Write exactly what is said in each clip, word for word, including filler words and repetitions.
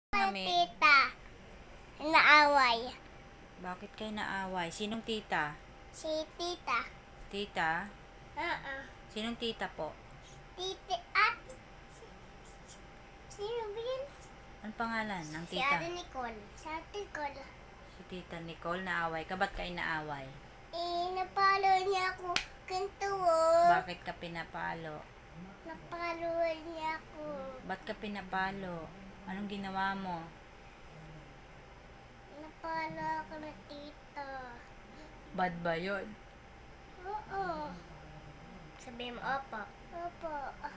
Mami, Tita, naaway. bakit kayo naaway? Sinong tita? Si tita. Tita? Oo. Sinong tita po? Titi at... Sino ba yun? Anong pangalan ng Si tita? Ate Nicole. Si Ate Nicole. Si Tita Nicole, naaway ka? Ba't kayo naaway? Eh, napalo niya ako. Ganito oh. Bakit ka pinapalo? Napalo niya ako. Ba't ka pinapalo? Anong ginawa mo? Napalo ako na tita. Bad ba yun? Oo. Sabi mo, opo. Opo.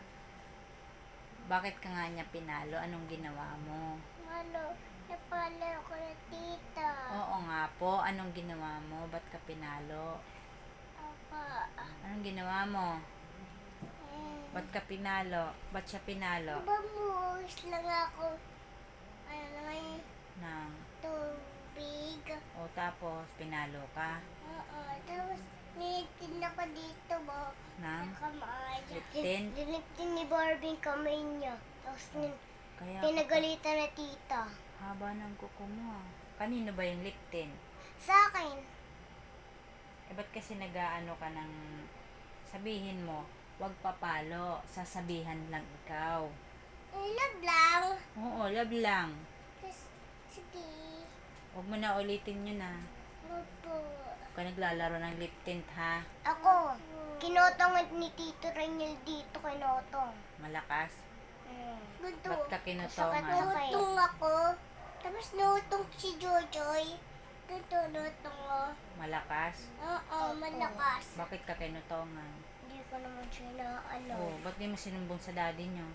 Bakit ka nga niya pinalo? Anong ginawa mo? Malo, napalo ako na tita. Oo nga po, anong ginawa mo? Ba't ka pinalo? Opo. Anong ginawa mo? Eh, Ba't ka pinalo? Ba't siya pinalo? Bamus lang ako. Ano naman Nang, tubig. o tapos, pinalo ka? Oo. Tapos, nilitin ako dito mo. Nang, Sa kamay. Liptin? Nilitin ni Barbie yung kamay niya. Tapos, nin- kaya pinagalitan na tita. haba ng kuko mo ah. Kanino ba yung liptin? Sa akin. Eh, ba't kasi nag-aano ka ng sabihin mo, wag papalo, sasabihan lang ikaw. Eh, love lang. Oo, love lang. Tapos, sige. Huwag mo na ulitin yun ah. Opo. Huwag ka naglalaro ng lip tint ha. Ako, kinotong ni Tito Raniel dito, kinotong. Malakas. Hmm. Ganito. Ba't ka kinutongan? Nutong ako. Tapos nutong si Jojoy. Ganito, nutong ko. Malakas. Oo, malakas. Bakit ka kinutongan? Hindi ko naman siya na ano. Oo, ba't di mo sinumbong sa daddy nyo?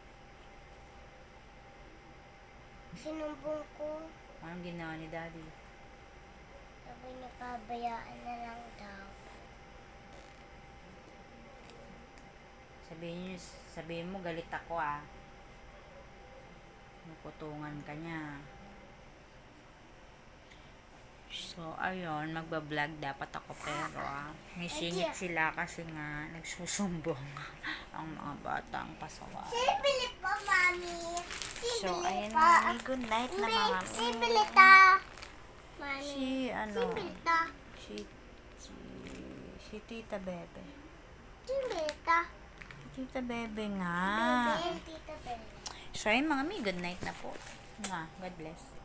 Sinumbong ko. Anong ginawa ni daddy? Sabi niya, pabayaan na lang daw. Sabihin nyo, sabihin mo galit ako ah. Nakutungan ka niya. So, ayun, magbablog dapat ako pero ah, may singit sila kasi nga nagsusumbong ang mga batang pasaway. Sibili pa, Mami. So, Sibili ayun pa. nga, good night na May mga sibili ta. Mami. Si, ano, Sibili ta. si, si, si Tita Bebe. Sibili ta. Si Tita Bebe nga. Bebe, Tita Bebe. So, ayun mga mi, good night na po. Nga, God bless.